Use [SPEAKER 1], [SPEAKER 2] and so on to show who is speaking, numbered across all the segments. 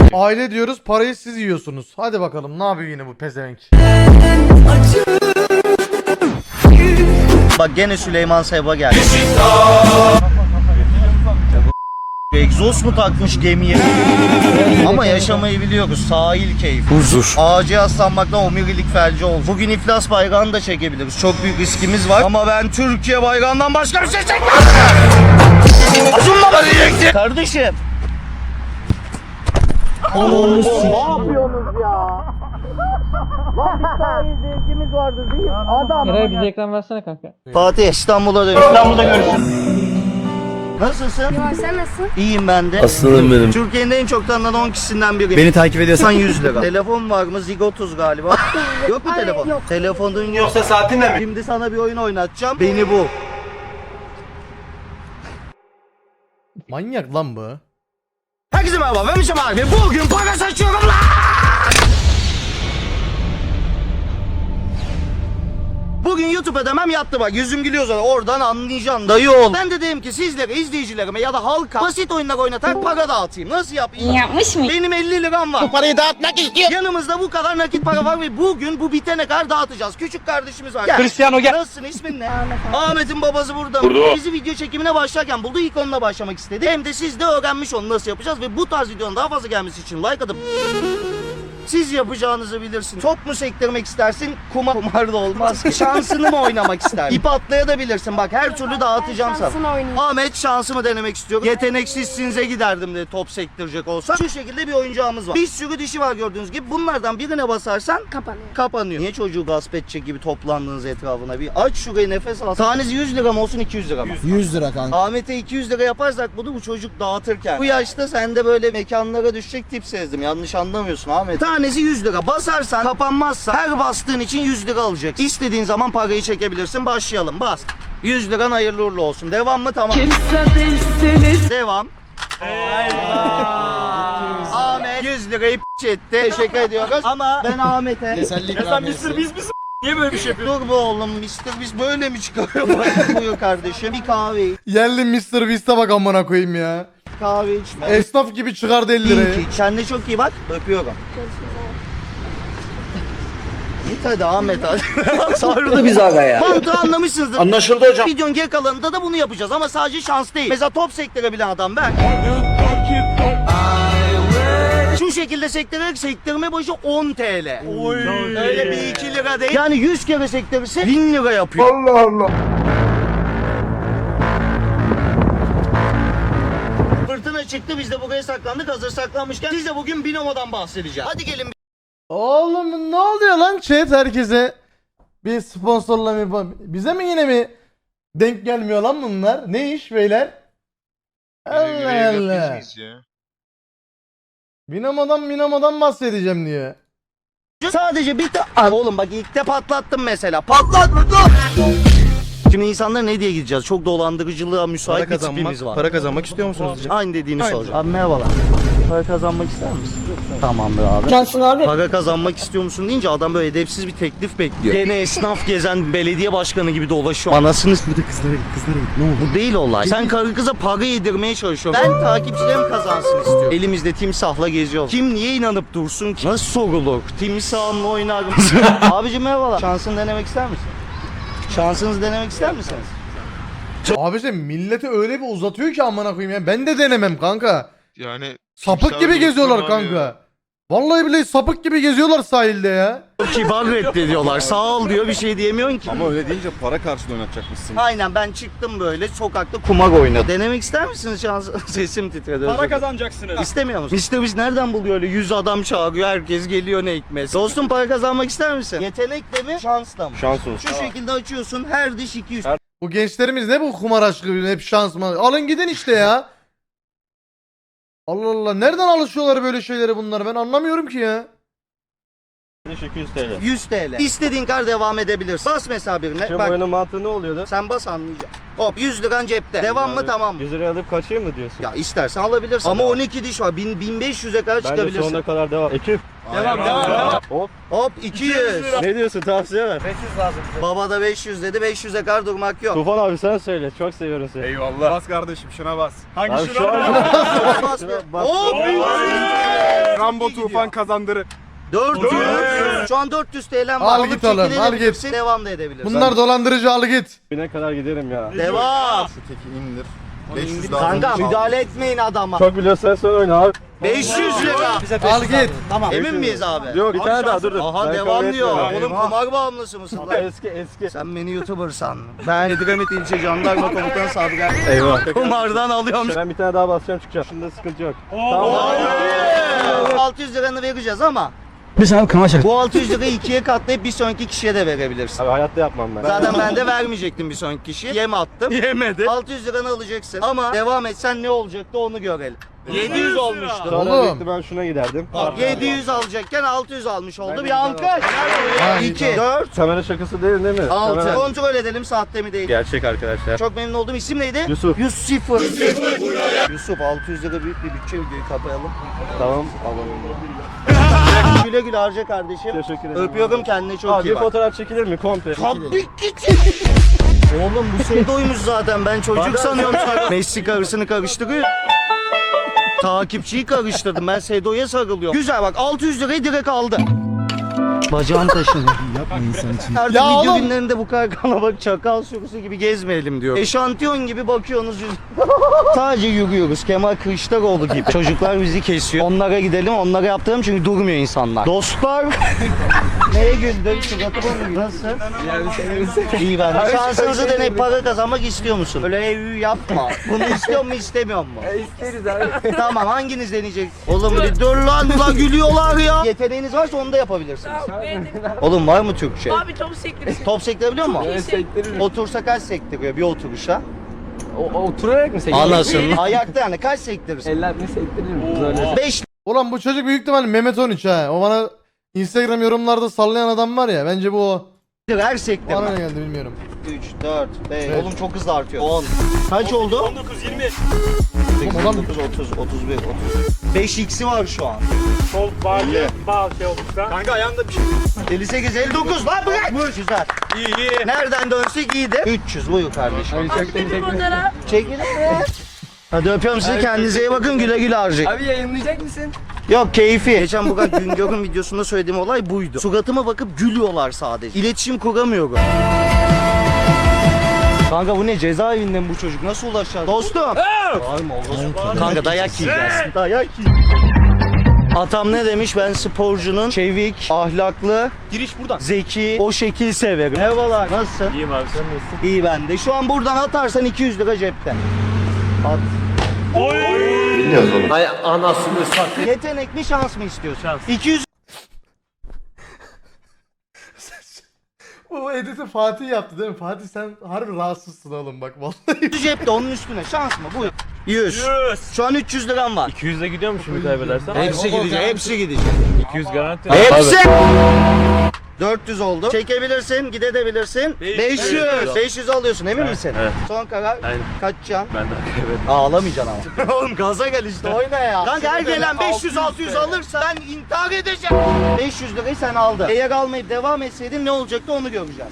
[SPEAKER 1] Aile diyoruz, parayı siz yiyorsunuz. Hadi bakalım ne yapıyor yine bu pezevenk.
[SPEAKER 2] Bak gene Süleyman Seba geldi. Egzoz mu takmış gemiye? Ama yaşamayı biliyoruz. Sahil keyfi. Huzur. Ağaca yaslanmaktan omurilik felci oldu. Bugün iflas bayrağını da çekebiliriz. Çok büyük riskimiz var. Ama ben Türkiye bayrağından başka bir şey çekmem. Azunla diyecektim. Kardeşim. Ne yapıyorsunuz ya? Lan bir sahil zevkimiz vardı değil mi? Adam.
[SPEAKER 3] Eray bize ekran versene kanka.
[SPEAKER 2] Fatih İstanbul'a dön. İstanbul'da görüşürüz. Nasılsın?
[SPEAKER 4] Ya sen nasılsın?
[SPEAKER 2] İyiyim ben de.
[SPEAKER 5] Aslanım benim.
[SPEAKER 2] Türkiye'nin en çok tanınan 10 kişisinden biriyim.
[SPEAKER 5] Beni takip ediyorsan
[SPEAKER 2] 100 lira. Telefon var mı? Zigotuz galiba. Yok mu
[SPEAKER 4] Hayır,
[SPEAKER 2] telefon?
[SPEAKER 4] yok.
[SPEAKER 2] Telefonun yoksa saatinle mi? Şimdi sana bir oyun oynatacağım. Beni bul.
[SPEAKER 1] Manyak lan bu.
[SPEAKER 2] Herkese merhaba, ben Mişem abi. Bugün para saçıyorum lan! Bugün YouTube ödemem yattı bak. Yüzüm gülüyor zaten. Oradan anlayacaksın dayı oğul. Ben de dedim ki sizlere, izleyicilerime ya da halka basit oyunlar oynatarak para dağıtayım. Nasıl yapayım?
[SPEAKER 4] Yapmış mı?
[SPEAKER 2] Benim 50 liram var. Bu parayı dağıtmak istiyor. Yanımızda bu kadar nakit para var ve bugün bu bitene kadar dağıtacağız. Küçük kardeşimiz var. Gel.
[SPEAKER 5] Cristiano gel.
[SPEAKER 2] Nasılsın, ismin ne? Ahmet'in babası burada. Burada. Bizi video çekimine başlarken buldu, ilk onunla başlamak istedi. Hem de siz de öğrenmiş onu nasıl yapacağız ve bu tarz videonun daha fazla gelmesi için like atıp siz yapacağınızı bilirsin. Top mu sektirmek istersin? Kumar da olmaz. Şansını mı oynamak istersin? İp atlayabilirsin. Bak her türlü dağıtacağım sana.
[SPEAKER 4] Şansını oynayayım.
[SPEAKER 2] Ahmet şansımı denemek istiyorum. Yeteneksizsinize giderdim de top sektirecek olsa. Şu şekilde bir oyuncağımız var. Bir sürü dişi var gördüğünüz gibi. Bunlardan birine basarsan
[SPEAKER 4] Kapanıyor.
[SPEAKER 2] kapanıyor. Niye çocuğu gasp edecek gibi toplandığınız etrafına bir aç şurayı, nefes al. Tanesi 100 lira mı olsun 200 lira mı?
[SPEAKER 5] 100 lira kanka.
[SPEAKER 2] Ahmet'e 200 lira yaparsak bunu bu çocuk dağıtırken. Bu yaşta sen de böyle mekanlara düşecek tip sezdim. Yanlış anlamıyorsun Ahmet. Tanesi 100 lira. Basarsan kapanmazsa her bastığın için 100 lira alacaksın. İstediğin zaman parayı çekebilirsin. Başlayalım. Bas. 100 liran hayırlı uğurlu olsun. Devam mı? Tamam. Devam. Ahmet 100 lirayı etti. Teşekkür ediyoruz. Ama ben Ahmet'e
[SPEAKER 5] Niye böyle bir şey yapıyorsun?
[SPEAKER 2] dur bu oğlum Mr. Biz böyle mi çıkarıyor? Buyur kardeşim. Bir kahve iç.
[SPEAKER 1] Yerli Mr. Beast'e bak amına koyayım ya.
[SPEAKER 2] Kahve içme.
[SPEAKER 1] Esnaf gibi çıkardı 50 lirayı.
[SPEAKER 2] İyi ki. Kendine çok iyi bak. Öpüyorum. Git hadi Ahmet hadi. Sarıldı biz aga ya. Mantığı anlamışsınızdır.
[SPEAKER 5] Anlaşıldı hocam.
[SPEAKER 2] Videonun geri kalanında da bunu yapacağız ama sadece şans değil. Mesela top sektirebilen adam ben. Şu şekilde sektirerek sektirme başı 10 TL. Öyle bir 2 lira değil. Yani 100 kere sektirirse 1000 lira yapıyor. Allah Allah. Fırtına çıktı, biz de buraya saklandık. Hazır saklanmışken siz de bugün Binomo'dan bahsedeceğim. Hadi gelin.
[SPEAKER 1] Oğlum ne oluyor lan chat herkese? Bir sponsorla mı? Bize mi yine mi denk gelmiyor lan bunlar? Ne iş beyler? Allah Allah. Binamo'dan bahsedeceğim diyor.
[SPEAKER 2] Sadece bir oğlum bak ilk de patlattım mesela. Patlatma dur. Şimdi insanlara ne diye gideceğiz? Çok dolandırıcılığa müsait bir tipimiz var.
[SPEAKER 5] Para kazanmak istiyor musunuz diyeceğim.
[SPEAKER 2] Aynı dediğini soracağım. Abi merhabalar. Para kazanmak ister misin? Tamamdır abi.
[SPEAKER 4] Cansın abi.
[SPEAKER 2] Para kazanmak istiyor musun deyince adam böyle edepsiz bir teklif bekliyor. Gene esnaf gezen belediye başkanı gibi dolaşıyor. Anasını
[SPEAKER 5] Burada kızlara git ne oldu?
[SPEAKER 2] bu değil olay. Sen karı kıza para yedirmeye çalışıyorsun. Ben takipçilerim kazansın istiyorum. Elimizde timsahla geziyoruz. Kim niye inanıp dursun ki? Nasıl sorulur? Timsahımla oynar mısın? Abicim merhabalar. Şansını denemek ister misin? Şansınızı denemek ister misiniz?
[SPEAKER 1] Abi sen milleti öyle bir uzatıyor ki amına koyayım ya. Ben de denemem kanka.
[SPEAKER 6] Yani
[SPEAKER 1] Sapık gibi geziyorlar kanka. Vallahi bile sapık gibi geziyorlar sahilde ya.
[SPEAKER 2] Kibar reddediyorlar. Sağ ol diyor, bir şey diyemiyorsun ki.
[SPEAKER 5] Ama öyle deyince para karşılığı oynatacakmışsın.
[SPEAKER 2] Aynen, ben çıktım böyle sokakta kumar oynadım. Denemek ister misiniz şans? Sesim titredi.
[SPEAKER 5] Para kazanacaksınız.
[SPEAKER 2] İstemiyor musun? Mr. Beast nereden buluyor öyle 100 adam çağırıyor, herkes geliyor ne hikmet. Dostum para kazanmak ister misin? Yetenekle mi? Şansla mı?
[SPEAKER 5] Şans olsun.
[SPEAKER 2] Şu şekilde açıyorsun, her diş 200.
[SPEAKER 1] Bu gençlerimiz ne bu kumar aşkı, hep şans mı? Alın gidin işte ya. Allah Allah, nereden alışıyorlar böyle şeylere bunlar, ben anlamıyorum ki ya.
[SPEAKER 5] 200 TL.
[SPEAKER 2] 100 TL. İstediğin kadar devam edebilirsin. Bas mesela birine.
[SPEAKER 5] Şimdi
[SPEAKER 2] Bak,
[SPEAKER 5] oyunun mantığı ne oluyordu?
[SPEAKER 2] sen bas anlayacaksın. Hop 100 liran cepte. Devam mı, tamam mı?
[SPEAKER 5] 100 liraya alıp kaçayım mı diyorsun?
[SPEAKER 2] Ya istersen alabilirsin. Ama 12 diş var. 1500'e kadar
[SPEAKER 5] Bence
[SPEAKER 2] çıkabilirsin.
[SPEAKER 5] sonuna kadar devam. Ekip.
[SPEAKER 2] Devam.
[SPEAKER 5] Hop.
[SPEAKER 2] Hop 200.
[SPEAKER 5] Ne diyorsun, tavsiye ver.
[SPEAKER 2] Baba da 500 dedi. 500'e kadar durmak yok.
[SPEAKER 5] Tufan abi sen söyle. Çok seviyorum seni.
[SPEAKER 7] Eyvallah. Bas kardeşim şuna bas.
[SPEAKER 5] Abi şu an...
[SPEAKER 2] Bas bir.
[SPEAKER 5] Bas.
[SPEAKER 2] Hop.
[SPEAKER 3] Rambo Tufan kazandırır.
[SPEAKER 2] 400. Şu an 400 TL var.
[SPEAKER 1] Al
[SPEAKER 2] Alıp
[SPEAKER 1] git oğlum, al
[SPEAKER 2] çekilebilirsin,
[SPEAKER 1] git.
[SPEAKER 2] devam da edebilirsin.
[SPEAKER 1] Bunlar dolandırıcı, al git.
[SPEAKER 5] Bine kadar giderim ya.
[SPEAKER 2] Devam.
[SPEAKER 4] Şu teki indir. 500 daha.
[SPEAKER 2] Kanka müdahale etmeyin adama.
[SPEAKER 5] Çok biliyorsan sen oyna abi.
[SPEAKER 2] 500 lira.
[SPEAKER 1] Al git.
[SPEAKER 2] Tamam. Emin miyiz abi?
[SPEAKER 5] Yok bir tane daha dur.
[SPEAKER 2] Aha
[SPEAKER 5] Ben
[SPEAKER 2] devam
[SPEAKER 5] kabul
[SPEAKER 2] diyor.
[SPEAKER 5] etmiyorum.
[SPEAKER 2] Oğlum kumar bağımlısı mısın lan?
[SPEAKER 5] Eski.
[SPEAKER 2] Sen beni YouTuber sandın. Ben Edremit İlçe Jandarma Komutanı Sabri.
[SPEAKER 5] Eyvah.
[SPEAKER 2] Kumardan alıyorum.
[SPEAKER 5] Ben bir tane daha basacağım çıkacağım. Şunda sıkıntı yok. Tamam.
[SPEAKER 2] 600 liranı vereceğiz ama
[SPEAKER 6] Biz abi kamaşır.
[SPEAKER 2] bu 600 lirayı ikiye katlayıp bir sonraki kişiye de verebilirsin.
[SPEAKER 5] Abi hayatta yapmam ben.
[SPEAKER 2] Zaten ben de vermeyecektim bir sonraki kişiye. Yem attım. Yemedi. 600 liranı alacaksın. Ama devam etsen ne olacaktı onu görelim. 700 olmuştu.
[SPEAKER 5] Sonra
[SPEAKER 1] Oğlum.
[SPEAKER 5] büyüktü, ben şuna giderdim.
[SPEAKER 2] 700 alacağken 600 almış oldu. Bir alkış.
[SPEAKER 1] Ha,
[SPEAKER 2] 2,
[SPEAKER 1] iyi,
[SPEAKER 2] 4,
[SPEAKER 5] Kamera şakası değil mi?
[SPEAKER 2] 6.
[SPEAKER 5] Kamera-
[SPEAKER 2] Kontrol edelim sahte mi değil.
[SPEAKER 5] Gerçek arkadaşlar.
[SPEAKER 2] Çok memnun oldum. İsim neydi?
[SPEAKER 5] Yusuf.
[SPEAKER 2] Yusuf. Yusuf 600 lira büyük bir bütçe, videoyu kapayalım.
[SPEAKER 5] Tamam alalım.
[SPEAKER 2] Güle güle harca kardeşim.
[SPEAKER 5] Teşekkür ederim.
[SPEAKER 2] Öpüyorum, kendine çok
[SPEAKER 5] Abi
[SPEAKER 2] iyi
[SPEAKER 5] bir
[SPEAKER 2] bak.
[SPEAKER 5] fotoğraf çekilir mi komple?
[SPEAKER 2] Tabii ki. Oğlum bu Sedo'ymuş zaten, ben çocuk sanıyorum. Messi karısını karıştırıyor. Takipçiyi karıştırdım, ben Sedo'ya sarılıyorum. Güzel bak, 600 lirayı direkt aldı. Bacağım taşınıyor.
[SPEAKER 6] Yapma insan için.
[SPEAKER 2] Artık
[SPEAKER 1] Ya
[SPEAKER 2] video
[SPEAKER 1] oğlum.
[SPEAKER 2] günlerinde bu kadar kalabalık çakal sürüsü gibi gezmeyelim diyor. Eşantiyon gibi bakıyorsunuz. Sadece yürüyoruz. Kemal Kılıçdaroğlu gibi. Çocuklar bizi kesiyor. Onlara gidelim, onlara yaptıralım çünkü durmuyor insanlar. Dostlar. Neye güldün? Suratıma mı güldün? Nasıl? İyi ben de. Şansınızı deneyip para kazanmak istiyor musun? Öyle ev yapma. Bunu istiyor mu istemiyor mu?
[SPEAKER 3] İsteriz abi.
[SPEAKER 2] Tamam, hanginiz deneyecek? Oğlum bir dur lan gülüyorlar ya. Yeteneğiniz varsa onu da yapabilirsiniz. Oğlum var mı Türkçe?
[SPEAKER 7] Abi top sektirsin.
[SPEAKER 2] Top sektirebiliyor musun?
[SPEAKER 7] iyi
[SPEAKER 3] Sektiririz.
[SPEAKER 2] Otursa kaç sektiriyor bir oturuşa?
[SPEAKER 3] Oturarak mı sektiririr?
[SPEAKER 2] Anasını. Ayakta yani kaç sektirirsin?
[SPEAKER 3] Eller mi sektiririm? Böyle.
[SPEAKER 2] 5
[SPEAKER 1] Ulan bu çocuk büyük ihtimalle Mehmet 13 ha. O bana Instagram yorumlarda sallayan adam var ya. Bence bu o.
[SPEAKER 2] lira her
[SPEAKER 1] Bana ne
[SPEAKER 2] sektirme.
[SPEAKER 1] geldi bilmiyorum.
[SPEAKER 2] 3, 4, 5.
[SPEAKER 1] Evet.
[SPEAKER 2] Oğlum çok hızlı artıyor. 10. Kaç oldu?
[SPEAKER 4] 19 20.
[SPEAKER 2] 8, 9, 30, 31, 30. 5x'i var şu an.
[SPEAKER 4] Sol bağlı bağ şey olmuşsa. Kanka ayağında bir şey.
[SPEAKER 2] 58, 59 lan bırak. Güzel.
[SPEAKER 4] İyi.
[SPEAKER 2] Nereden dönsek iyidir. 300 buyur kardeşim.
[SPEAKER 7] Fotoğraf.
[SPEAKER 2] Çekilin be. Hadi öpüyorum sizi, kendinize iyi bakın, güle güle harcayın.
[SPEAKER 3] Abi yayınlayacak mısın?
[SPEAKER 2] Yok keyfi. Geçen bugün Güngör'ün videosunda söylediğim olay buydu. Suratıma bakıp gülüyorlar sadece. İletişim kuramıyorum. Kanka bu ne, cezaevinde mi bu çocuk? Nasıl ulaşacağız? Dostum. Bağırma oğlum. Kanka dayak yiyeceğiz. Dayak yiyeceğiz. Atam ne demiş? Ben sporcunun çevik, ahlaklı,
[SPEAKER 4] Giriş buradan.
[SPEAKER 2] zeki, o şekil severim. Merhabalar. Nasılsın?
[SPEAKER 4] İyiyim abi sen nasılsın?
[SPEAKER 2] İyi ben de. Şu an buradan atarsan 200 lira cepten. At.
[SPEAKER 4] Ay anasını sat.
[SPEAKER 2] Yetenek mi şans mı istiyorsun?
[SPEAKER 4] Şans.
[SPEAKER 2] 200
[SPEAKER 1] Bu editi Fatih yaptı değil mi? Fatih sen harbi rahatsızsın oğlum bak vallahi.
[SPEAKER 2] cepte, onun üstüne şans mı? Buyur. 100. Şu an 300 liram var.
[SPEAKER 5] 200'e gidiyor mu şimdi kaybedersem?
[SPEAKER 2] Hepsi gidecek, hepsi gidecek.
[SPEAKER 5] 200 garanti.
[SPEAKER 2] Hepsi! 400 oldu. Çekebilirsin, gidebilirsin. 500. 500 alıyorsun, emin misin?
[SPEAKER 5] Evet.
[SPEAKER 2] Son karar.
[SPEAKER 5] Aynen.
[SPEAKER 2] Kaçacaksın?
[SPEAKER 5] Ben de kaybettim.
[SPEAKER 2] Ağlamayacaksın ama. Oğlum gaza gel işte, oyna ya. Kanka her gelen 500-600 alırsa ben intihar edeceğim. 500 lirayı sen aldın. Eğer almayıp devam etseydin ne olacaktı onu göreceğiz.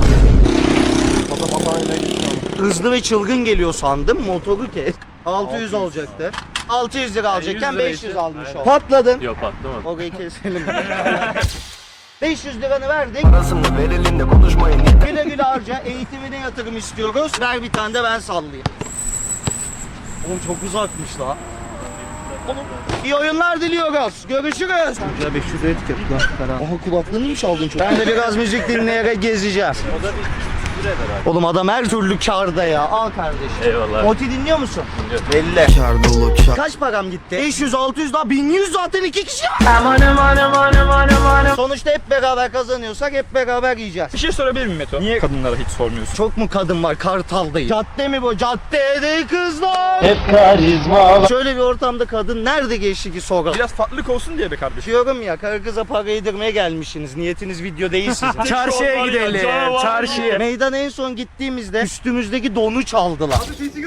[SPEAKER 2] Hızlı ve çılgın geliyor sandım, motoru kes. 600 olacaktı. 600 lira alacakken
[SPEAKER 5] 100 lira
[SPEAKER 2] 500
[SPEAKER 5] işte.
[SPEAKER 2] almış
[SPEAKER 5] Aynen.
[SPEAKER 2] ol. Patladın.
[SPEAKER 5] Yok patlamadı.
[SPEAKER 2] Orayı keselim. 500 liranı verdik.
[SPEAKER 4] Parasını ver elinde konuşmayın.
[SPEAKER 2] Güle güle harca, eğitimine yatırım istiyoruz. Ver bir tane de ben sallayayım. Oğlum çok uzakmış la. İyi oyunlar diliyoruz. Görüşürüz.
[SPEAKER 6] Ya 500 lira etiket lan.
[SPEAKER 2] Aha kulaklığını mı çaldın çok? Ben de biraz müzik dinleyerek gezeceğim. Oğlum adam her türlü kârda ya. Al kardeşim.
[SPEAKER 5] Eyvallah.
[SPEAKER 2] Moti dinliyor musun? Belli. Kaç param gitti? 500, 600 daha 1100 zaten 2 kişi. Sonuçta hep beraber kazanıyorsak hep beraber yiyeceğiz.
[SPEAKER 8] Bir şey sorabilir miyim Meto? Niye kadınlara hiç sormuyorsun?
[SPEAKER 2] Çok mu kadın var Kartal'dayım? Cadde mi bu? Caddede kızlar. Hep karizma. Şöyle bir ortamda kadın nerede geçti ki soralım?
[SPEAKER 8] Biraz farklılık olsun diye be kardeşim.
[SPEAKER 2] Diyorum ya, karı kıza para yedirmeye gelmişsiniz. Niyetiniz video değil sizin.
[SPEAKER 8] Çarşıya gidelim. Çarşıya.
[SPEAKER 2] Meydan en son gittiğimizde üstümüzdeki donu çaldılar.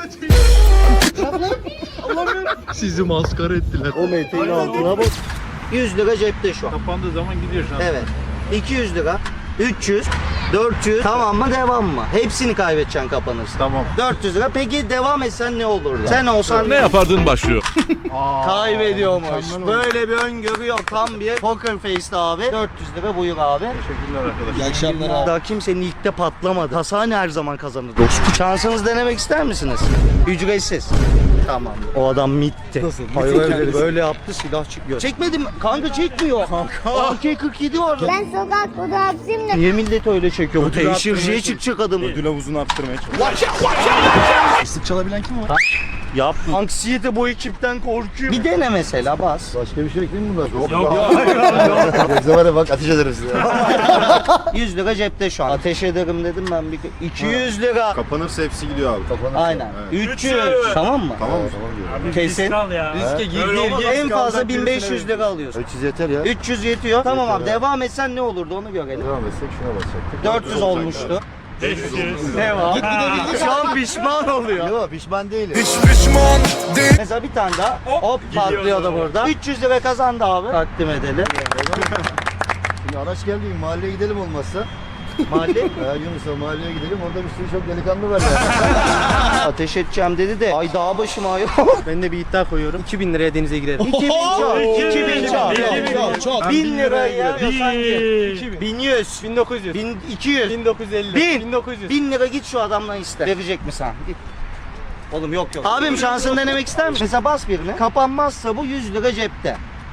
[SPEAKER 6] Sizi maskara ettiler.
[SPEAKER 2] O meteğin altına bak. 100 lira cepte şu an.
[SPEAKER 8] Kapandığı zaman gidiyor şu an.
[SPEAKER 2] Evet. 200 lira. 300. 400. Tamam mı devam mı? Hepsini kaybedeceksin kapanırsa.
[SPEAKER 8] Tamam.
[SPEAKER 2] 400 lira. Peki devam etsen ne olurdu? Sen olsan
[SPEAKER 5] Ne yapardın başlıyor.
[SPEAKER 2] kaybediyormuş. Böyle bir öngörü yok. Tam bir poker face'ti abi. 400 lira buyur abi.
[SPEAKER 8] Teşekkürler arkadaşlar.
[SPEAKER 6] İyi akşamlar abi.
[SPEAKER 2] Daha kimsenin ilkte patlamadı. Hasane her zaman kazanır dostum. Şansınızı denemek ister misiniz? Ücretsiz. Tamam. O adam mitti.
[SPEAKER 6] Nasıl?
[SPEAKER 2] Hayır
[SPEAKER 6] Mitti
[SPEAKER 2] öyle,
[SPEAKER 6] kendisi.
[SPEAKER 2] böyle yaptı silah çıkıyor. Çekmedim. Kanka çekmiyor. Kanka. AK-47 var.
[SPEAKER 7] Ben sokak fotoğrafçıyım da.
[SPEAKER 2] Niye millet öyle çekiyor? Bu teşhirciye çıkacak adam.
[SPEAKER 8] Ödül havuzunu arttırmaya çalışıyorum.
[SPEAKER 6] Islık çalabilen kim var?
[SPEAKER 2] Yap. Anksiyete bu ekipten korkuyor. Bir dene mesela bas.
[SPEAKER 6] Başka bir şey ekleyeyim mi bunlar? Yok. Yoksa var ya bak ateş ederim size.
[SPEAKER 2] 100 lira cepte şu an. Ateş ederim dedim ben bir 200 lira.
[SPEAKER 8] Kapanırsa hepsi gidiyor abi.
[SPEAKER 2] Aynen.
[SPEAKER 8] Evet.
[SPEAKER 2] 300. Tamam mı?
[SPEAKER 8] Tamam mı?
[SPEAKER 2] Kesin.
[SPEAKER 3] Riske gir.
[SPEAKER 2] En fazla 1500 lira alıyorsun.
[SPEAKER 6] 300 yeter ya.
[SPEAKER 2] 300 yetiyor. Tamam abi
[SPEAKER 6] Yeter ya.
[SPEAKER 2] devam etsen ne olurdu onu görelim.
[SPEAKER 6] Devam etsek şuna basacaktık.
[SPEAKER 2] 400 olmuştu. Devam. Şu an pişman oluyor.
[SPEAKER 6] Yok pişman değilim.
[SPEAKER 2] Mesela bir tane daha. Hop patlıyor da burada. 300 lira kazandı abi. Takdim edelim.
[SPEAKER 6] Şimdi araç geldi mahalleye gidelim olmazsa.
[SPEAKER 2] Mahalle.
[SPEAKER 6] Yunus'a mahalleye gidelim orada bir sürü çok delikanlı var ya.
[SPEAKER 2] Ateş edeceğim dedi de. Ay dağ başım ay.
[SPEAKER 3] Ben de bir iddia koyuyorum. 2000 liraya denize girerim.
[SPEAKER 2] 2000 çal. 2000 çal.
[SPEAKER 6] Çok.
[SPEAKER 2] 1000 lira ya. sanki. 1100.
[SPEAKER 3] 1900.
[SPEAKER 2] 1200.
[SPEAKER 3] 1950.
[SPEAKER 2] 1000.
[SPEAKER 3] 1900.
[SPEAKER 2] 1000 lira git şu adamdan iste. Verecek mi sen? Git. Oğlum yok. Abim şansını denemek ister misin? Mesela bas birine. Kapanmazsa bu 100 lira cepte.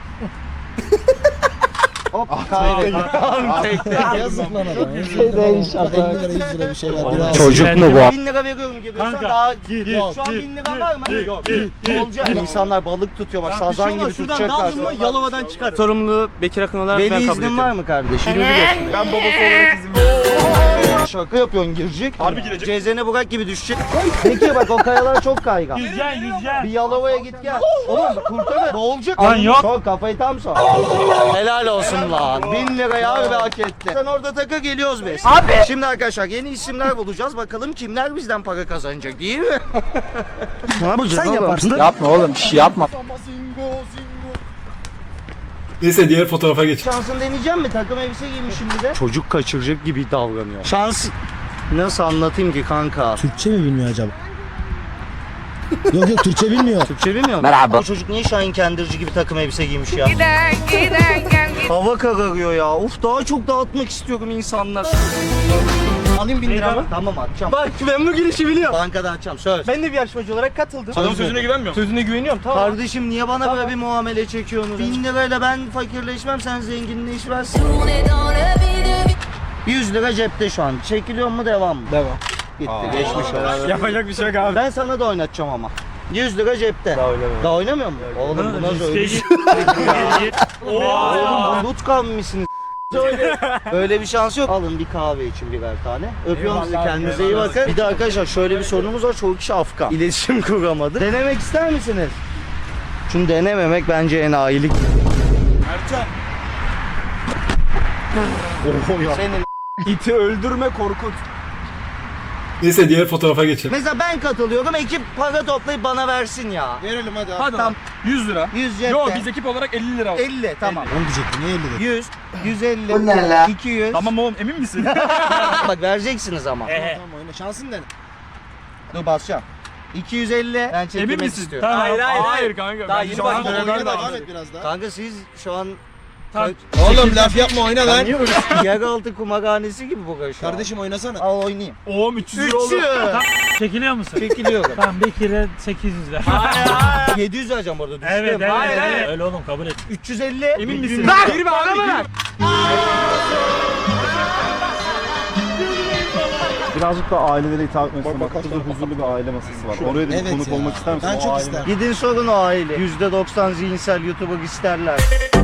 [SPEAKER 2] Hop kaybettim.
[SPEAKER 6] Yazık lan adam. 50 lira 100 lira bir şey var. Biraz.
[SPEAKER 2] Çocuk mu bu? 1000 lira veriyorum gibi. Daha
[SPEAKER 4] Yok,
[SPEAKER 2] şu an 1000 lira var mı? Yok. Olacak. İnsanlar balık tutuyor bak sazan gibi tutacaklar.
[SPEAKER 3] Yalova'dan çıkar. Sorumlu Bekir Akın olarak
[SPEAKER 2] Veli
[SPEAKER 3] ben kabul
[SPEAKER 2] iznin
[SPEAKER 3] ediyorum.
[SPEAKER 2] var mı kardeşim?
[SPEAKER 8] Ben babası olarak izin veriyorum.
[SPEAKER 2] Şaka yapıyorsun girecek.
[SPEAKER 8] Harbi girecek.
[SPEAKER 2] Cezene Burak gibi düşecek. Peki bak o kayalar çok kaygan.
[SPEAKER 4] Yüzeceksin.
[SPEAKER 2] Bir Yalova'ya git gel. Oğlum kurtarır. Boğulacak.
[SPEAKER 4] Lan yok.
[SPEAKER 2] Sok kafayı tam sok. Helal olsun lan. 1000 lirayı harbi hak etti. Sen orada takı geliyoruz biz. Abi. Şimdi arkadaşlar yeni isimler bulacağız. Bakalım kimler bizden para kazanacak değil mi? Ne yapacağız? Sen yaparsın.
[SPEAKER 3] Yapma oğlum bir şey yapma.
[SPEAKER 4] Neyse diğer fotoğrafa geç.
[SPEAKER 2] Şansını deneyeceğim mi? Takım elbise giymişim bir de. Çocuk kaçıracak gibi davranıyor. Şans... Nasıl anlatayım ki kanka?
[SPEAKER 6] Türkçe mi bilmiyor acaba? Yok Türkçe bilmiyor.
[SPEAKER 2] Türkçe bilmiyor musun? Merhaba. O çocuk niye Şahin Kendirci gibi takım elbise giymiş ya? Hava kararıyor ya. Of daha çok dağıtmak istiyorum insanlar. Alayım 1000 lira mı? Tamam atacağım.
[SPEAKER 3] Bak ben bu girişi biliyorum.
[SPEAKER 2] Bankadan atacağım söz.
[SPEAKER 3] Ben de bir yarışmacı olarak katıldım.
[SPEAKER 2] Adamın
[SPEAKER 8] Sözüne güvenmiyor musun?
[SPEAKER 3] Sözüne güveniyorum tamam.
[SPEAKER 2] Kardeşim niye bana böyle bir muamele çekiyorsunuz? 1000 lirayla ben fakirleşmem sen zenginleşmezsin. 100 lira cepte şu an. Çekiliyor mu devam mı?
[SPEAKER 3] Devam.
[SPEAKER 2] Gitti geçmiş olsun.
[SPEAKER 3] Yapacak bir şey yok abi.
[SPEAKER 2] Ben sana da oynatacağım ama. 100 lira cepte. Daha oynamıyor mu? Oğlum bu nasıl öyle bir şey? Oğlum bu Lutkan mısınız? Öyle bir şans yok. Alın bir kahve için birer tane. Öpüyorum sizi kendinize iyi bakın. Bir de arkadaşlar şöyle bir sorunumuz var. Çoğu kişi Afgan. İletişim kuramadı. Denemek ister misiniz? Şunu denememek bence enayilik. Senin
[SPEAKER 3] İti öldürme korkut.
[SPEAKER 4] Neyse diğer fotoğrafa geçelim.
[SPEAKER 2] mesela ben katılıyorum. Ekip para toplayıp bana versin ya.
[SPEAKER 6] Verelim hadi.
[SPEAKER 3] Hadi
[SPEAKER 2] Tamam.
[SPEAKER 3] 100 lira.
[SPEAKER 2] 100 cepte.
[SPEAKER 3] Yok biz ekip olarak 50 lira.
[SPEAKER 2] 50 tamam.
[SPEAKER 6] Onu diyecektim niye 50 dedi?
[SPEAKER 2] 100, 150, bu ne la? 200.
[SPEAKER 8] Tamam oğlum emin misin?
[SPEAKER 2] Bak vereceksiniz ama.
[SPEAKER 6] Tamam oyna şansın dene.
[SPEAKER 2] Dur basacağım. 250. Ben çekilmek istiyorum.
[SPEAKER 3] Hayır kanka. Daha yeni
[SPEAKER 6] Tamam
[SPEAKER 3] başladık.
[SPEAKER 6] oyna devam et biraz daha.
[SPEAKER 2] Kanka siz şu an
[SPEAKER 6] Oğlum laf yapma oyna lan.
[SPEAKER 2] yeraltı kumarhanesi gibi bu şu an.
[SPEAKER 6] Kardeşim oynasana.
[SPEAKER 2] Al oynayayım.
[SPEAKER 8] Oğlum 300 lira oldu.
[SPEAKER 2] 300.
[SPEAKER 4] Çekiliyor musun?
[SPEAKER 2] Çekiliyorum.
[SPEAKER 4] Tamam bir kere 800 ver.
[SPEAKER 2] 700 vereceğim orada düştüm.
[SPEAKER 4] Evet evet.
[SPEAKER 2] Hayır,
[SPEAKER 4] evet.
[SPEAKER 2] hayır.
[SPEAKER 4] Öyle oğlum kabul et.
[SPEAKER 2] 350.
[SPEAKER 8] Emin misin?
[SPEAKER 2] Ver.
[SPEAKER 3] Girme abi girme.
[SPEAKER 8] Birazcık da ailelere hitap etmek istiyorum. Burada huzurlu bir aile masası var. Oraya da bir
[SPEAKER 6] Evet
[SPEAKER 8] konuk
[SPEAKER 6] ya.
[SPEAKER 8] olmak ister misin?
[SPEAKER 6] Ben
[SPEAKER 8] O
[SPEAKER 6] çok
[SPEAKER 8] ailenin-
[SPEAKER 6] isterim.
[SPEAKER 2] Gidin sorun o aile. %90 zihinsel YouTuber isterler.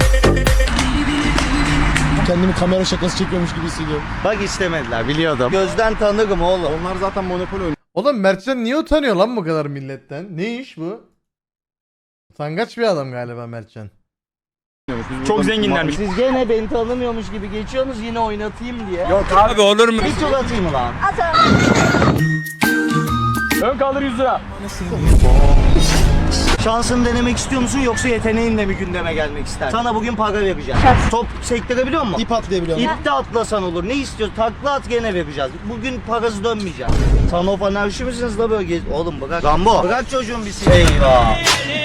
[SPEAKER 6] Kendimi kamera şakası çekiyormuş gibi hissediyorum.
[SPEAKER 2] Bak istemediler biliyordum. Gözden tanırım oğlum.
[SPEAKER 8] Onlar zaten Monopoly oynuyor.
[SPEAKER 1] Oğlum Mertcan niye utanıyor lan bu kadar milletten? Ne iş bu? Utangaç bir adam galiba Mertcan.
[SPEAKER 8] Biz
[SPEAKER 3] Çok
[SPEAKER 8] burada-
[SPEAKER 3] zenginlermiş.
[SPEAKER 2] Siz gene beni tanımıyormuş gibi geçiyorsunuz yine oynatayım diye.
[SPEAKER 3] Yok abi olur mu?
[SPEAKER 2] Bir tur atayım lan.
[SPEAKER 3] Ön kaldır 100 lira.
[SPEAKER 2] Şansını denemek istiyor musun yoksa yeteneğinle mi gündeme gelmek istersin? Sana bugün para vereceğim. Top sektirebiliyor musun?
[SPEAKER 6] İp atlayabiliyor musun?
[SPEAKER 2] İpte atlasan olur. Ne istiyorsun? Takla at gene vereceğiz. Bugün parası dönmeyecek. Sana o anarşi misiniz la böyle Oğlum bırak. Rambo. Bırak çocuğun bir şey. Eyvah.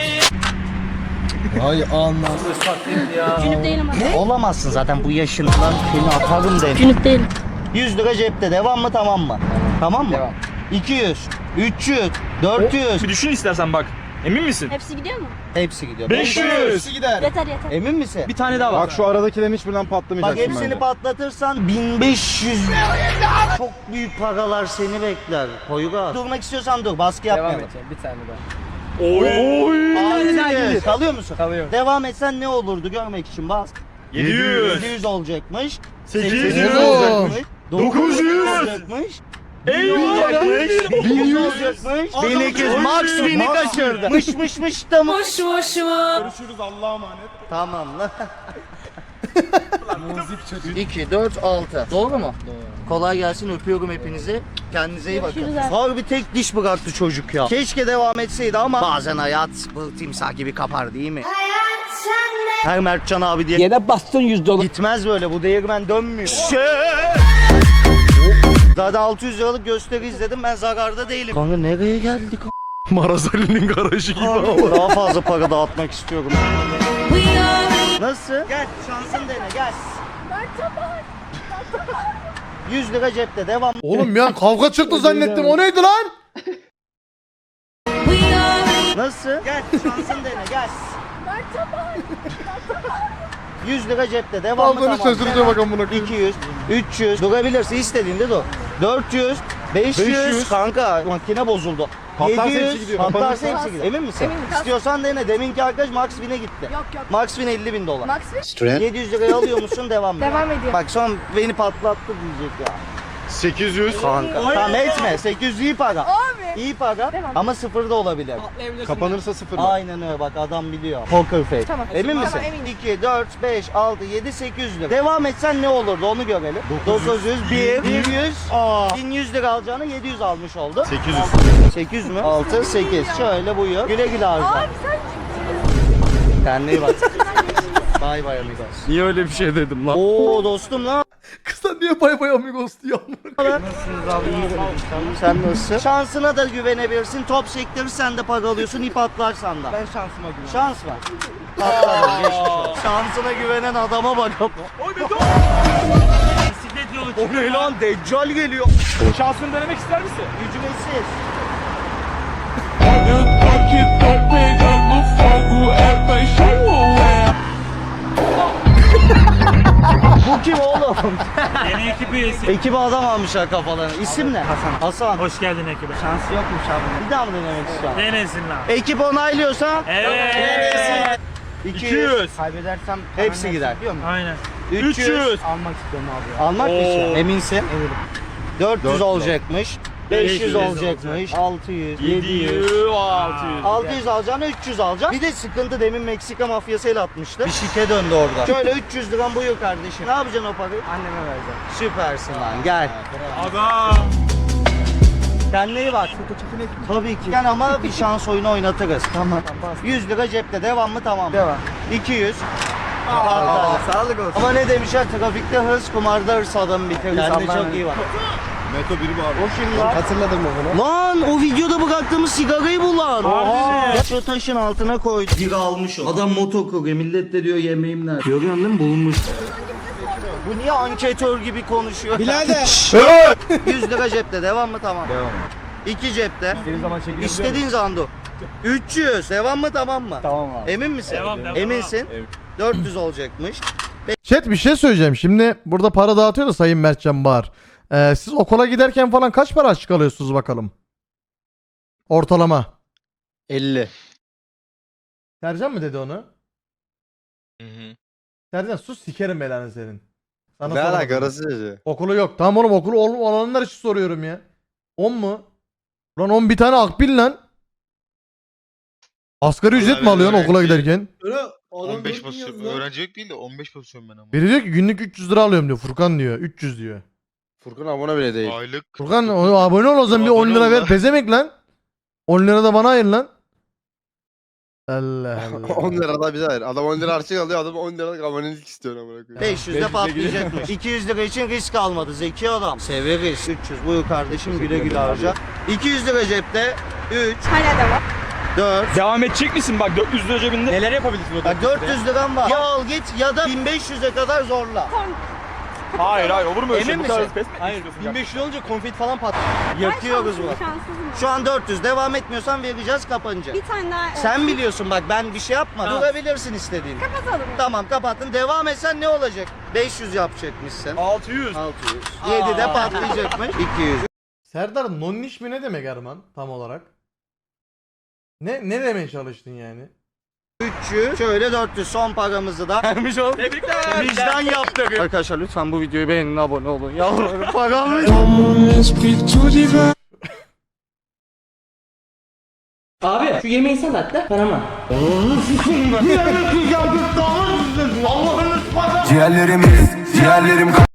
[SPEAKER 6] Ay anlam.
[SPEAKER 7] Cünüp değilim ama.
[SPEAKER 2] Olamazsın zaten bu yaşından seni atarım derim.
[SPEAKER 7] Cünüp değilim.
[SPEAKER 2] 100 lira cepte. Devam mı tamam mı? Tamam mı?
[SPEAKER 6] Devam.
[SPEAKER 2] 200, 300, 400.
[SPEAKER 3] Bir düşün istersen bak. Emin misin?
[SPEAKER 7] Hepsi gidiyor mu?
[SPEAKER 2] Hepsi gidiyor.
[SPEAKER 3] 500.
[SPEAKER 6] Gider.
[SPEAKER 7] Yeter yeter.
[SPEAKER 2] Emin misin?
[SPEAKER 3] Bir tane daha var.
[SPEAKER 8] Bak şu aradakilerin hiçbirinden
[SPEAKER 2] Bak
[SPEAKER 8] patlamayacaksın
[SPEAKER 2] hepsini
[SPEAKER 8] bence.
[SPEAKER 2] patlatırsan 1500. Çok büyük paralar seni bekler. Poyraz. Durmak istiyorsan dur. Baskı
[SPEAKER 6] Devam
[SPEAKER 2] yapmayalım.
[SPEAKER 6] edeceğim bir tane daha.
[SPEAKER 2] Aynen. Kalıyor musun?
[SPEAKER 6] Kalıyorum.
[SPEAKER 2] Devam etsen ne olurdu görmek için bas.
[SPEAKER 3] 700.
[SPEAKER 2] 700 olacakmış.
[SPEAKER 3] 800.
[SPEAKER 2] olacakmış.
[SPEAKER 3] 900
[SPEAKER 2] olacakmış.
[SPEAKER 3] Eyvah.
[SPEAKER 2] olacakmış. 1100 olacakmış. 1200. Max 1000'i kaçırdı. Mış da mı?
[SPEAKER 3] Görüşürüz Allah'a emanet.
[SPEAKER 2] Tamam lan. 2, 4, 6. Doğru mu? Doğru. Kolay gelsin, öpüyorum hepinizi. Kendinize iyi bakın.
[SPEAKER 7] Görüşürüz abi.
[SPEAKER 2] Harbi tek diş bıraktı çocuk ya. Keşke devam etseydi ama bazen hayat bu timsah gibi kapar değil mi? Her Mertcan abi diye
[SPEAKER 6] Yere bastın $100.
[SPEAKER 2] gitmez böyle, bu değirmen dönmüyor. Zaten 600 liralık gösteri izledim, ben zararda değilim. Kanka nereye geldik?
[SPEAKER 3] Marazali'nin garajı gibi.
[SPEAKER 2] Daha fazla para dağıtmak istiyorum. Nasıl? Gel şansın dene gel. 100 lira cepte devam.
[SPEAKER 1] Oğlum bir an kavga çıktı zannettim. O neydi lan?
[SPEAKER 2] Nasıl? Gel şansın dene gel. 100 lira cepte devam mı
[SPEAKER 1] Kavganı
[SPEAKER 2] tamam.
[SPEAKER 1] şaşırınca bak amına koyayım.
[SPEAKER 2] 200, 300 durabilirsin istediğinde dur. 400, 500 kanka makine bozuldu.
[SPEAKER 8] Patlarsa
[SPEAKER 2] 700,
[SPEAKER 8] hepsi gidiyor.
[SPEAKER 2] patlarsa hepsi gidiyor. Emin misin? İstiyorsan dene. Deminki arkadaş Max 1000'e gitti.
[SPEAKER 7] Yok yok.
[SPEAKER 2] Max 1000 50 bin dolar.
[SPEAKER 7] Max
[SPEAKER 2] 700 liraya alıyor musun devam mı?
[SPEAKER 7] Devam ediyor.
[SPEAKER 2] Bak son beni patlattı diyecek ya.
[SPEAKER 8] 800.
[SPEAKER 2] Kanka. Tamam etme. 800 iyi para.
[SPEAKER 7] Abi.
[SPEAKER 2] İyi para
[SPEAKER 7] Devam.
[SPEAKER 2] ama sıfır da olabilir.
[SPEAKER 8] Kapanırsa sıfır.
[SPEAKER 2] Aynen öyle bak adam biliyor. Poker face.
[SPEAKER 7] Tamam.
[SPEAKER 2] Emin
[SPEAKER 7] Tamam,
[SPEAKER 2] misin?
[SPEAKER 7] eminim.
[SPEAKER 2] 2, 4, 5, 6, 7, 800 lira. Devam etsen ne olurdu onu görelim. 900, 100, 1100 lira alacağını 700 almış oldu.
[SPEAKER 8] 800.
[SPEAKER 2] 800 mü? 6, 8. Şöyle buyur. Güle güle harca.
[SPEAKER 7] Abi sen
[SPEAKER 2] Kendine iyi bak. Bay bay amigos.
[SPEAKER 3] Niye öyle bir şey dedim lan?
[SPEAKER 2] Oo dostum lan.
[SPEAKER 1] Kısa niye bay bay amigos diyor amına.
[SPEAKER 2] Nasılsınız abi? İyi sen nasılsın? Şansına da güvenebilirsin. Top sektirirsen de para alıyorsun. ip atlarsan da.
[SPEAKER 6] Ben şansıma güveniyorum.
[SPEAKER 2] Şans var. Atladım, geçmiş olsun. Şansına güvenen adama bak.
[SPEAKER 4] Bisiklet yolu
[SPEAKER 2] O ne lan? Deccal geliyor.
[SPEAKER 3] Şansını denemek ister misin?
[SPEAKER 2] Ücretsiz. Bu kim oğlum?
[SPEAKER 4] yeni ekip üyesi.
[SPEAKER 2] Ekibe adam almışlar kafalarına. İsim ne? Hasan. Hasan.
[SPEAKER 4] Hoş geldin ekibe.
[SPEAKER 2] Şans yokmuş abi. Bir daha mı denemek istiyorsun?
[SPEAKER 4] Denesin lan.
[SPEAKER 2] Ekip onaylıyorsa
[SPEAKER 4] Evet.
[SPEAKER 2] 200.
[SPEAKER 6] Kaybedersem
[SPEAKER 2] Hepsi gider.
[SPEAKER 4] Aynen.
[SPEAKER 2] 300.
[SPEAKER 6] almak istiyorum abi ya.
[SPEAKER 2] Almak mı
[SPEAKER 3] Oo.
[SPEAKER 2] istiyorsun? Eminsin?
[SPEAKER 6] Eminim.
[SPEAKER 2] 400 olacakmış. 500
[SPEAKER 4] 500
[SPEAKER 2] olacakmış. 600, 700.
[SPEAKER 3] 600.
[SPEAKER 2] 600 alacağını 300 alacaksın. Bir de sıkıntı demin Meksika mafyası el atmıştı. Bir şike döndü orada. Şöyle 300 liran buyur kardeşim. Ne yapacaksın o parayı?
[SPEAKER 6] Anneme vereceğim.
[SPEAKER 2] Süpersin lan gel.
[SPEAKER 3] Aga.
[SPEAKER 2] Kendine iyi bak. Tabii ki. Yani ama bir şans oyunu oynatırız. Tamam. 100 lira cepte devam mı tamam.
[SPEAKER 6] Devam.
[SPEAKER 2] 200.
[SPEAKER 6] Sağlık olsun.
[SPEAKER 2] Ama ne demişler trafikte hırs kumarda hırs adamı bitirir. Kendine
[SPEAKER 6] Allah'ım.
[SPEAKER 2] çok iyi bak.
[SPEAKER 8] Meto biri var.
[SPEAKER 2] O kim lan?
[SPEAKER 6] Hatırladım mı bunu?
[SPEAKER 2] Lan o videoda bıraktığımız sigarayı bul lan.
[SPEAKER 4] Harbi mi?
[SPEAKER 2] Şu taşın altına koy. Biri almış o. Adam moto kuruyor. Millet de diyor yemeğim nerede? Görüyorsun değil mi? Bulmuş. Bu niye anketör gibi konuşuyor?
[SPEAKER 6] Birader.
[SPEAKER 2] 100 lira cepte. Devam mı? Tamam.
[SPEAKER 8] Devam.
[SPEAKER 2] 2 cepte.
[SPEAKER 6] İstediğin zaman çekilebiliyor
[SPEAKER 2] İstediğin zaman dur. 300. Devam mı? Tamam mı?
[SPEAKER 6] Tamam abi.
[SPEAKER 2] Emin misin?
[SPEAKER 4] Devam.
[SPEAKER 2] Eminsin. 400 olacakmış.
[SPEAKER 1] Chat bir şey söyleyeceğim. Şimdi burada para dağıtıyor da Sayın Mertcan Bahar. Siz okula giderken falan kaç para açık alıyorsunuz bakalım? Ortalama.
[SPEAKER 2] 50.
[SPEAKER 1] Sercan mı dedi onu? Sercan sus sikerim belanı senin. Sana
[SPEAKER 8] Ne
[SPEAKER 1] sormadım.
[SPEAKER 8] alaka arası dedi.
[SPEAKER 1] Okulu yok. Tamam oğlum okulu olanlar için soruyorum ya. 10 mu? Lan 10 bir tane akbil lan. Asgari ücret mi alıyorsun okula giderken?
[SPEAKER 9] 15 pozisyon. Öğrencilik değil de 15 pozisyon ben ama.
[SPEAKER 1] Biri diyor ki günlük 300 lira alıyorum diyor. Furkan diyor. 300 diyor.
[SPEAKER 8] Furkan abone bile değil.
[SPEAKER 9] Aylık.
[SPEAKER 1] Furkan abone ol o zaman bir 10 lira ver. Pezemek lan. 10 lira da bana ayır lan. Allah Allah.
[SPEAKER 5] 10 lira da bize ver. Adam 10 lira harçlık alıyor. Adam 10 liralık abonelik istiyor amına koyayım.
[SPEAKER 2] 500'de patlayacakmış. 200 lira için risk almadı. Zeki adam. Severiz. 300 buyur kardeşim güle güle harca. 200 lira cepte. 3,
[SPEAKER 7] Hala devam.
[SPEAKER 2] 4.
[SPEAKER 3] Devam edecek misin? Bak 400 lira cebinde.
[SPEAKER 4] Neler yapabilirsin o
[SPEAKER 2] Bak 400 liram var. Ya al git ya da 1500'e kadar zorla.
[SPEAKER 3] Hayır olur mu öyle şey?
[SPEAKER 2] Emin
[SPEAKER 3] Bu kadar
[SPEAKER 2] misin?
[SPEAKER 3] pes mi?
[SPEAKER 4] Hayır 1500 olunca konfet falan patlıyor.
[SPEAKER 2] Yakıyoruz bu.
[SPEAKER 7] Şanssızım.
[SPEAKER 2] Şu an 400. Devam etmiyorsan vereceğiz kapanacak.
[SPEAKER 7] Bir tane daha.
[SPEAKER 2] Sen biliyorsun bak ben bir şey yapma.
[SPEAKER 4] Tamam.
[SPEAKER 2] Durabilirsin istediğin.
[SPEAKER 7] Kapatalım.
[SPEAKER 2] Tamam kapattın. Devam etsen ne olacak? 500 yapacakmışsın.
[SPEAKER 3] 600.
[SPEAKER 2] 600. 7'de patlayacakmış. 200.
[SPEAKER 1] Serdar nonniş mi ne demek Erman tam olarak? Ne demeye çalıştın yani?
[SPEAKER 2] 300. Şöyle 400. Son paramızı da vermiş olduk.
[SPEAKER 3] Tebrikler.
[SPEAKER 2] Vicdan yaptık. Arkadaşlar lütfen bu videoyu beğenin, abone olun. Yalvarırım paramı.
[SPEAKER 6] Abi şu yemeği sen at da paramı.
[SPEAKER 2] Allah'ın
[SPEAKER 10] Ciğerlerim